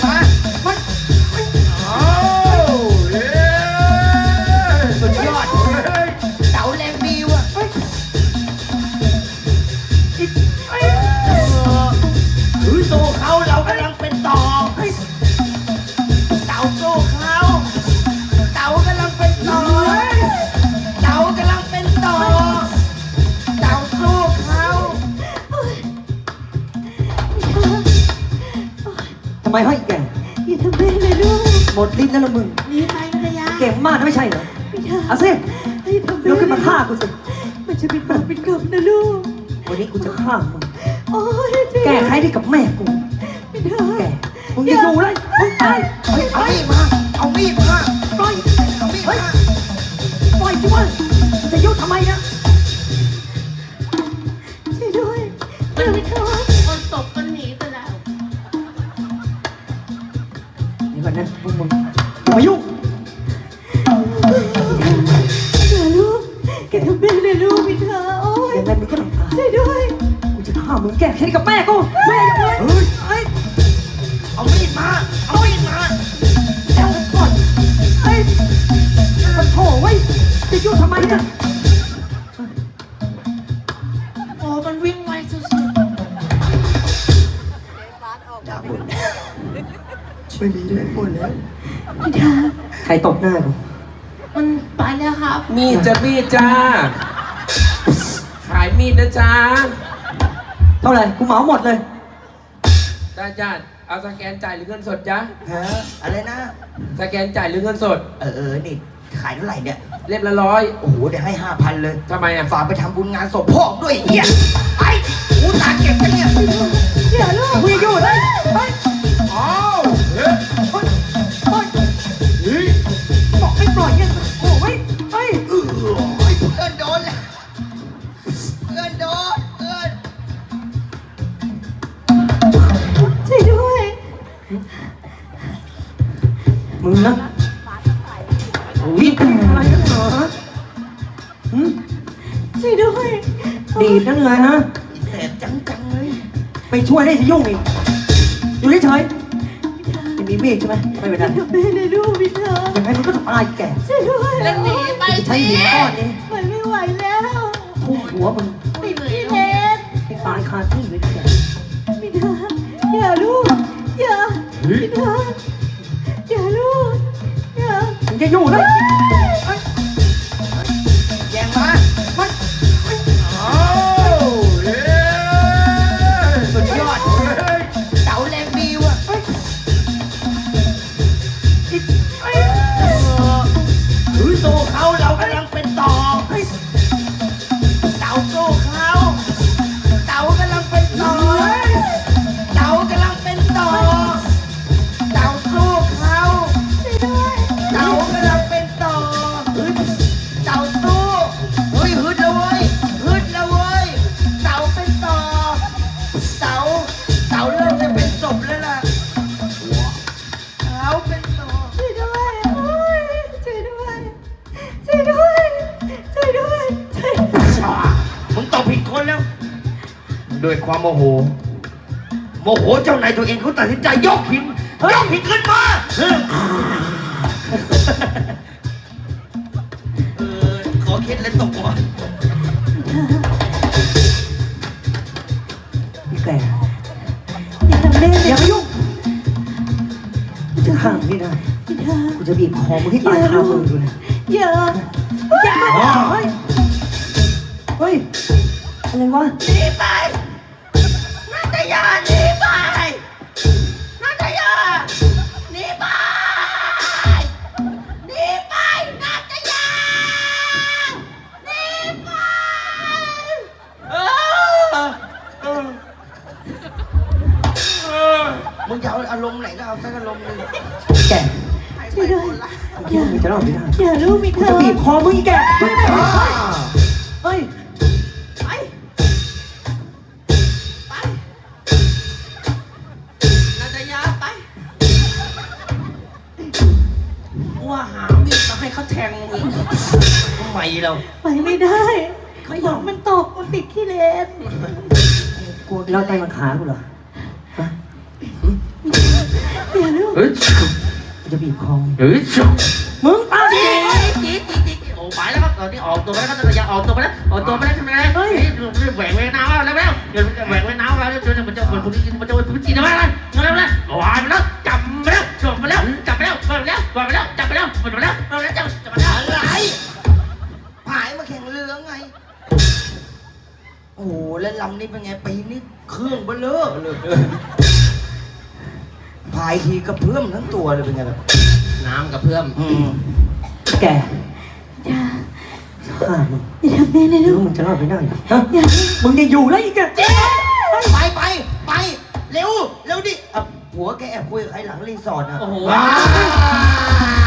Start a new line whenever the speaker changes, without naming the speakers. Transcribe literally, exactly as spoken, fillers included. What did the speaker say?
มามันโอ้เย้สุดยอดเต๋าแรงดีว่ะถือโซ่เขาเรากำลังเป็นต่อเต๋าโซ่เขาเต๋ากำลังเป็นต่อเต๋ากำลังเป็นต่อเต๋าโซ่เขา
ทำไมให้แก
อย่าทำแม่เลยลูก
หมดลิ้นแล้วละมึง
หนีไปภรรยา
เก่งมากนะไม่ใช่เหรอเอาสิลุกขึ้นมาฆ่ากูสิ
มันจะเป็นบาปเป็นกรรมนะลูก
วันนี้กูจะฆ่ามึง
โอ้ย
แก้ไขที่กับแม่กูแกมึงจะอยู่เลยมึงตาย
เอามีดมาเอามีดมาปล่อยเอามีดมา
ปล่อยจิวะจะยุ่งทำไมนะ
ช่วยด้วยเดี๋ยวไม่ท้อ
คนตบกันหนีไปแล้ว
นี่ก่อนนะพวกมึงอย่ามายุ่ง
อย่าลูกแกทำแม่เลยลูกพี่เธอโอ้ย
ยังไงมึงก็ต้องตาย
ช่วยด้วย
กูจะฆ่ามึงแก้แค้นกับแม่กูแม่ยังไงเฮ้ยเฮ้ย
เอามีดมาเอามีดมา
เอาก่อนเฮ้ยมันโถ่ไว้จะยุ่งทำไมเนี่ย
โอ้มันวิ่งไวสุด
ด่าบ่นไม่มีเลยบ่นแล้ว
พี่เธอ
ใครตบหน้ากู
ๆมันไปแล้วครับ
มีดจะมีดจ้า ขายมีดนะจ้า
เท่าไหร่กูเหมาหมดเลย
ได้จ้า เอาสแกนจ่ายหรือเงินสดจ้า
ฮะอะไรนะ
สแกนจ่ายหรือเงินสด
เออเออนี่ขายเท่าไหร่เนี่ย
เรียบละร้อย
โอ้โหเดี๋ยวให้ห้าพันเลย
ทำไมอ่ะ
ฝากไปทำบุญงานศพพ่อด้วยเฮียไอ้กูตาเก็บไปเนี่ย
อย่าลูก
มึงอยู่เลยเฮ้ย
อ้าวเฮ้ย
เฮ้ยเฮ้ยเฮ้ยบอกให้ปล่อยยังโอ้ยเฮ้ย
เออเพื่อนโดนแล้วเพื่อนโดนเพื่อน
ช่วยด้วย
มึงนะวิ่งอะไรกันเหรอหืม
ช่วยด้วย
ดีดนั่นเลยฮะ
แสบจังจังเลย
ไปช่วยได้สิยุ่งอีกอยู่เฉยๆจะมีมีดใช่ไหมไม่เป็นไร
ทำแม่เลยลูกพี่เธอ
ยังไงมึงก็ต้องตายแก่
ช่วยด้วย
แล้วหนีไป
ใช้
สิ
หินก้อนนี้
มันไม่ไหวแล้ว
ทุ่มหัวมึง
ติดพี่เลน
ให้ตายคาที่เลยแก
พี่เธออย่าลูกอย่าพี่เธออย่าลูกอย่า
มึงจะอยู่เลย
แย่งมามันอ้าวเย้สุดยอดเต๋าแรงดีว่ะถือโซ่เขาเรากำลังเป็นต่อเต๋าโซ่เขาเต๋ากำลังเป็นต่อเต๋ากำลังเป็นต่อเต๋าโซ่เขา
ช่วยด้วย
เต๋ากำลังเป็นต่อฮึดเต๋าสู้เฮ้ยฮึดแล้วเว้ยฮึดแล้วเว้ยเต๋าเป็นต่อเต๋าเต๋าเริ่มจะเป็นศพแล้วล่ะเต๋าเป็นต่อ
ช่วยด้วยโอ้ยช่วยด้วยช่วยด้วยช่วยด้วยช่วยด้วย
อ่ามึงตอบผิดคนแล้วด้วยความโมโหโมโหเจ้านายตัวเองเขาตัดสินใจยกหินยกหินขึ้นมาเออขอเคล็ดเลยตกหัว
พี่แก่
อย่าทำแม่เล
อย ย่ามายุ่งกูจะฆ่ามึงไม่ได้
พี่เธอ
กูจะบีบคอมึงให้ตายคามือดูเลย
อย่า
อย่าเฮ้ยเฮ้ยอะไรวะ
หนีไปนาตยาหนีไปนาตยาหนีไปหนีไปนาตยาหนีไปเออเออมึงจะเอาอารมณ์ไหนก็เอาสักอารมณ์หนึ่ง
แก่
ช่วยด้วย
อย่ามึงจะรอดไม่ได้
อย่าลูกพี่เธ
กู
อ
จะบีบคอมึงอีกแก่เฮ้ย
อ่า
เฮ้ย
ไปไปนาตยาไปว่าหามีดมาให้เขาแทงมึงทำไมเรา
ไปไม่ได้ฝนมันตกมันติดขี้เลน
กูเราใจมันขากูเหรอฮะ
อย่าลูก
เฮ้ย
จะบีบคอ
เฮ้ย
มึงตาย
จี๊ดจี๊ดจี๊ดจี๊ดโอ้ไปแล้วครับตอนนี้ออกตัวไปแล้วครับตอนนี้อยากออกตัวไปแล้วออกตัวไปแล้วทำไมเฮ้ยแหวกแหวกน้ำแล้วแล้วเดี๋ยวแหวกแหวกน้ำแล้วเดี๋ยวมันจะมันคนนี้มันจะมันจีนมาแล้วแล้วแล้วโอ้ยไปแล้วจับไปแล้วจับไปแล้วจับไปแล้วจับไปแล้วจับไปแล้วจับไปแล้วจับไปแล้วจับไปแล้วจับไปแล้ว
อะไรผายมาแข่งเรือไง โอ้โหแล้วลำนี้เป็นไงปีนี้เครื่องเบลอเลยพายทีกระเพื่อมทั้งตัวเลยเป็นไงแบบ
น้ำกับเพื่อม
อืม
แก
อย่า
ฆ่ามึง
อย่าทำแม่เลย
หรื
ลู
อก มึงจะรอดไปได้ฮะ
อย่า
มึงจะอยู่แล้วอีกอะ
ไปไปไปเร็วเร็วดิอ่ะผัวแกแอบคุยกับใครหลังรีสอร์ทอ่ะ
โอ้โห
ว้าย